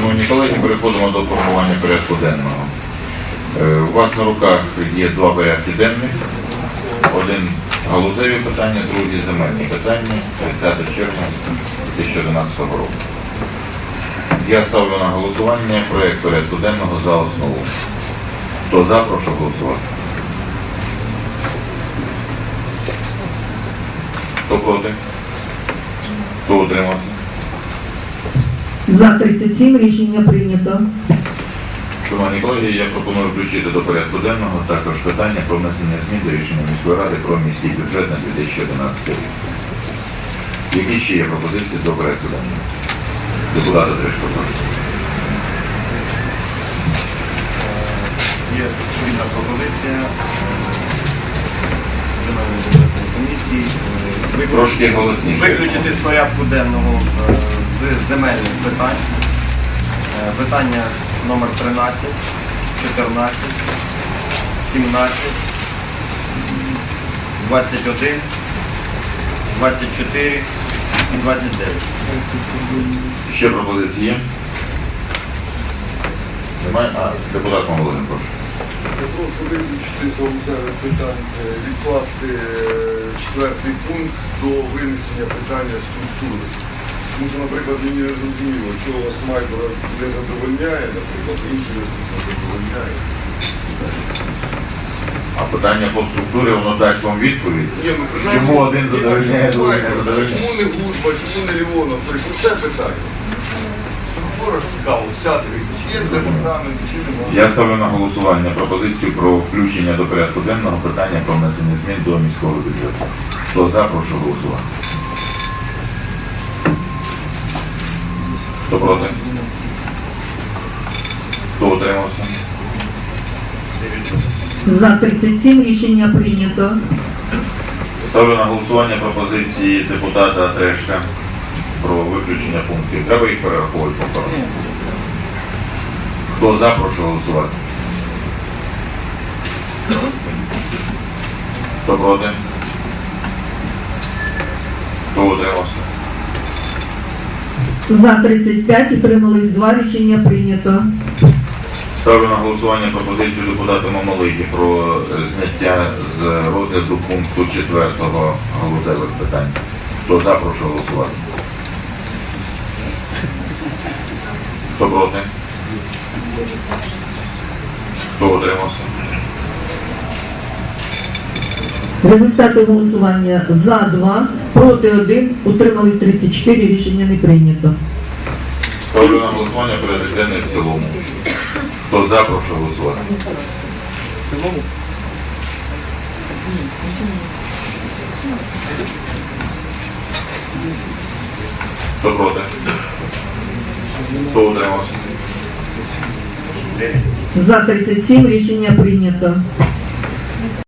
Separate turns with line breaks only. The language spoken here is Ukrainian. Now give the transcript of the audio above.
Шановні колеги, переходимо до формування порядку денного. У вас на руках є два порядки денних. Один галузеві питання, другий земельні питання, 30 червня 2011 року. Я ставлю на голосування проєкт порядку денного за основу. Хто за, прошу голосувати. Хто проти? Хто утримався?
За 37 рішення прийнято.
Шановні колеги, я пропоную включити до порядку денного також питання про внесення змін до рішення міської ради про міський бюджет на 2011 рік. Які ще є пропозиції до порядку денного? Депутати Трешко.
Є спільна пропозиція Земельної бюджетної комісії
Трошки голосніше.
виключити з порядку денного з земельних питань питання номер 13, 14, 17, 21, 24 і 29.
Ще пропозиції є? Немає? Депутат Мамолин, прошу.
Я прошу виключити з галузевих питань, відкласти четвертий пункт до винесення питання структури. Тому що, наприклад, мені не зрозуміло, чого вас Майкова не задовольняє, наприклад, інший не задовольняє.
А питання по структурі, воно дасть вам відповідь?
Ні, ну,
Чому один задовольняє, другий не задовольняє?
Чому не Глушба, чому не Леонов? Тобто, це питання. Структура ж цікаво, вся дивіться, чи є департамент, чи немає.
Я ставлю на голосування пропозицію про включення до порядку денного питання про внесення змін до міського бюджету. Хто за, прошу голосувати. Хто проти? Хто утримався?
За 37 рішення прийнято.
Ставлю на голосування пропозиції депутата Трешка про виключення пунктів. Треба їх перераховувати повторно. Хто за, прошу голосувати. Хто проти? Хто утримався?
За 35 утримались 2 рішення прийнято.
Ставлю на голосування пропозицію депутата Мамолихи про зняття з розгляду пункту 4 галузевих питань. Хто за, прошу голосувати. Хто проти? Хто утримався?
Результати голосування за 2, проти 1, утримались 34, рішення не прийнято.
Ставлю на голосування порядок денний в цілому. Хто за, прошу голосувати. Хто проти? Хто утримався?
За 37 рішення прийнято.